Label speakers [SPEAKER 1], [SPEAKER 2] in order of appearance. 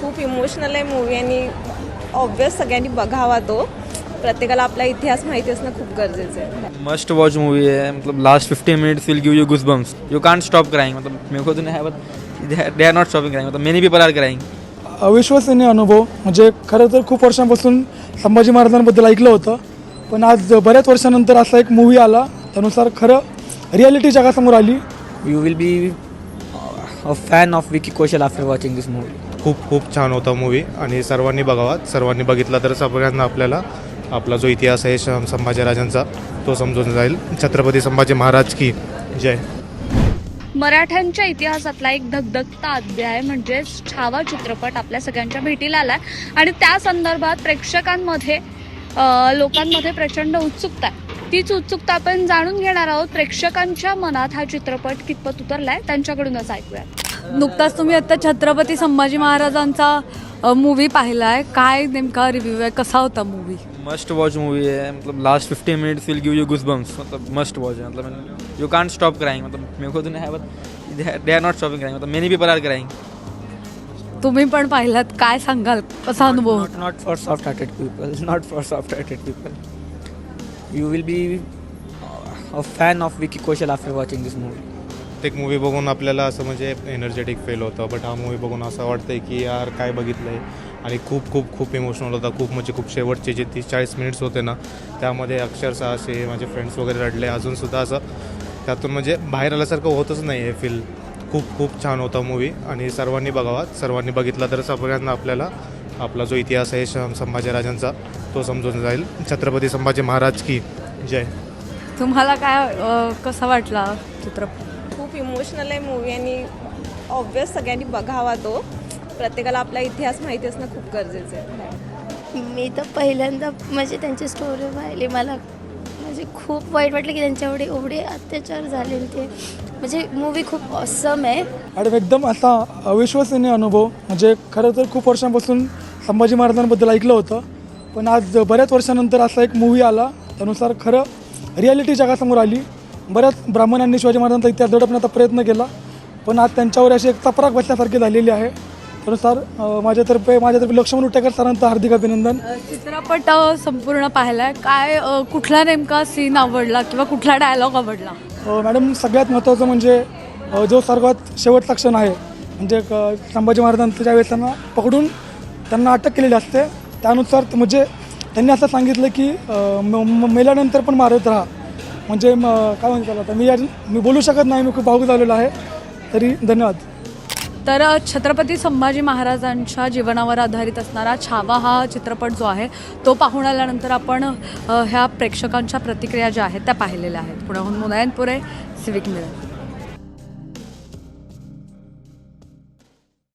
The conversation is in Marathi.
[SPEAKER 1] खूप इमोशनल आहे मूवी आणि ऑब्वियस सगळ्यांनी बघावा तो. प्रत्येकाला आपला इतिहास माहिती असणं खूप गरजेचं आहे.
[SPEAKER 2] मस्ट वॉच मूवी है. मतलब last 15 minutes will give you goosebumps. You can't stop crying. मतलब मेरे को तो नहीं है but they are not stopping crying. मतलब मेनी पीपल आर क्राइंग.
[SPEAKER 3] अविश्वसनीय अनुभव. म्हणजे खरं तर खूप वर्षांपासून संभाजी महाराजांबद्दल ऐकलं होतं, पण आज बऱ्याच वर्षानंतर असा एक मूवी आला, त्यानुसार खरं रियालिटी जगासमोर आली.
[SPEAKER 4] You will be a fan of Vicky Kaushal after watching this movie.
[SPEAKER 5] खूप छान होता मूवी आणि सर्वांनी बघावा. सर्वांनी बघितला तर सगळ्यांना आपल्याला आपला जो इतिहास आहे संभाजीराजांचा तो समजून जाईल. छत्रपती संभाजी महाराज की जय.
[SPEAKER 6] मराठ्यांच्या इतिहासातला एक धगधगता अध्याय म्हणजेच छावा चित्रपट आपल्या सगळ्यांच्या भेटीला आलाय आणि त्या संदर्भात प्रेक्षकांमध्ये लोकांमध्ये प्रचंड उत्सुकता आहे. तीच उत्सुकता आपण जाणून घेणार आहोत. प्रेक्षकांच्या मनात हा चित्रपट कितपत उतरलाय त्यांच्याकडूनच ऐकूया.
[SPEAKER 7] नुकताच तुम्ही आता छत्रपती संभाजी महाराजांचा मूवी पाहिलाय, काय नेमका रिव्ह्यू आहे, कसा होता मूवी?
[SPEAKER 2] मस्ट वॉच मूवी है. मतलब last 15 minutes will give you goosebumps. मतलब मस्ट वॉच है. मतलब यू कांट स्टॉप क्राइंग. मतलब मेरे को तो नहीं है but they are not stopping crying. मतलब मेनी पीपल आर क्राइंग.
[SPEAKER 7] तुम्ही पण पाहिलात, काय सांगाल, कसा अनुभव?
[SPEAKER 4] Not for soft-hearted people. Not for soft-hearted people. You will be a fan of Vicky Kaushal after watching this movie.
[SPEAKER 5] एक मूवी बघून आपल्याला असं म्हणजे एनर्जेटिक फील होतं, बट हा मूवी बघून असं वाटतंय की यार काय बघितलं आहे. आणि खूप इमोशनल होता. खूप शेवटचे जे 30-40 मिनिट्स होते ना, त्यामध्ये अक्षरशः असे माझे फ्रेंड्स वगैरे रडले. अजूनसुद्धा असं त्यातून म्हणजे बाहेर आल्यासारखं होतच नाही आहे फील. खूप छान होता मूवी आणि सर्वांनी बघावा. सर्वांनी बघितला तर सगळ्यांना आपल्याला आपला जो इतिहास आहे संभाजीराजांचा तो समजून जाईल. छत्रपती संभाजी महाराज की जय.
[SPEAKER 7] तुम्हाला काय कसा वाटला चित्रपट?
[SPEAKER 1] खूप इमोशनल आहे मूवी आणि ऑब्वियस सगळ्यांनी बघावा तो. प्रत्येकाला आपला इतिहास माहिती असणं खूप गरजेचं आहे.
[SPEAKER 8] मी तर पहिल्यांदा म्हणजे त्यांची स्टोरी पाहिली. मला म्हणजे खूप वाईट वाटलं की त्यांच्यावर एवढे अत्याचार झाले. ते म्हणजे मूवी खूप ऑसम आहे
[SPEAKER 3] आणि एकदम असा अविश्वसनीय अनुभव. म्हणजे खरं तर खूप वर्षांपासून संभाजी महाराजांबद्दल ऐकलं होतं, पण आज बऱ्याच वर्षानंतर असा एक मूवी आला, त्यानुसार खरं रियालिटी जगासमोर आली. बऱ्याच ब्राह्मणांनी शिवाजी महाराजांचा इतिहास दडपण्याचा प्रयत्न केला, पण आज त्यांच्यावर अशी एक चपराक बसल्यासारखी झालेली आहे. त्यानुसार माझ्यातर्फे लक्ष्मण उटेकर सरांचं हार्दिक अभिनंदन.
[SPEAKER 7] चित्रपट संपूर्ण पाहिलाय, काय कुठला नेमका सीन आवडला किंवा कुठला डायलॉग आवडला?
[SPEAKER 3] मॅडम, सगळ्यात महत्त्वाचं म्हणजे जो सर्वात शेवटचा क्षण आहे, म्हणजे संभाजी महाराजांचं ज्यावेळेस त्यांना पकडून त्यांना अटक केलेली असते, त्यानुसार म्हणजे त्यांनी असं सांगितलं की मेल्यानंतर पण मारत राहा. म्हणजे काय म्हणतात आता मी बोलू शकत नाही, मी खूप भावूक झालेलो आहे. तरी धन्यवाद.
[SPEAKER 7] तर छत्रपती संभाजी महाराजांच्या जीवनावर आधारित असणारा छावा हा चित्रपट जो आहे तो पाहून आल्यानंतर आपण ह्या प्रेक्षकांच्या प्रतिक्रिया ज्या आहेत त्या पाहिलेल्या आहेत. पुण्याहून मुनायनपुरे, सिविक मिरर.